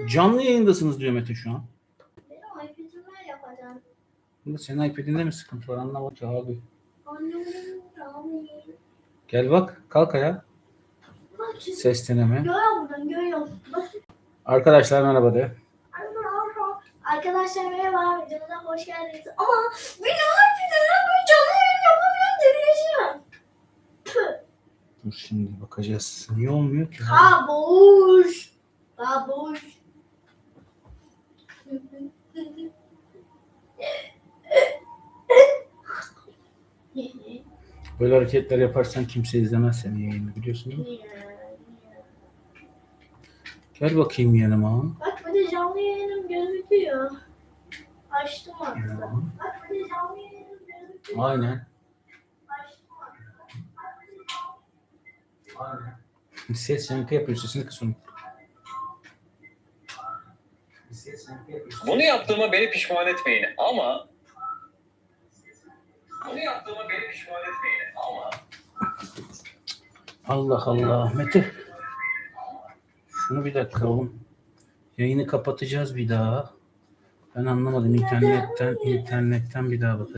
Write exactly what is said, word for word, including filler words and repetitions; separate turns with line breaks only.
Canlı yayındasınız diyor Mete şu an.
Benim iPad'ime yapacağım.
Bunda senin iPad'inde mi sıkıntı var anlamadım ki abi.
Annemin rahmi.
Gel bak kalk ayağa.
Bak şimdi.
Ses deneme.
Görüyor buradan görüyor. Bak.
Arkadaşlar merhaba de.
Arkadaşlar merhaba. Videomuza hoş geldiniz. Ama benim iPad'imle böyle canlı yayın yapamıyorum. Delireceğim.
Dur şimdi bakacağız. Niye olmuyor ki?
Babuş. Babuş.
Böyle hareketler yaparsan kimse izlemez senin yayını biliyorsun değil mi? Gel bakayım yanıma.
Bak burada canlı yayınım gözüküyor. Açtım artık.
Ya.
Bak burada canlı yayınım gözüküyor.
Aynen.
Açtım artık.
Aynen. Ses yankı yapıyor. Sesini kıs onu. Ses yankı yapıyor.
Bunu yaptığıma beni pişman etmeyin ama bunu yaptığıma beni pişman etmeyin ama
Allah Allah. Mete. Şunu bir dakika oğlum. Yayını kapatacağız bir daha. Ben anlamadım. İnternetten, internetten bir daha bakacağız.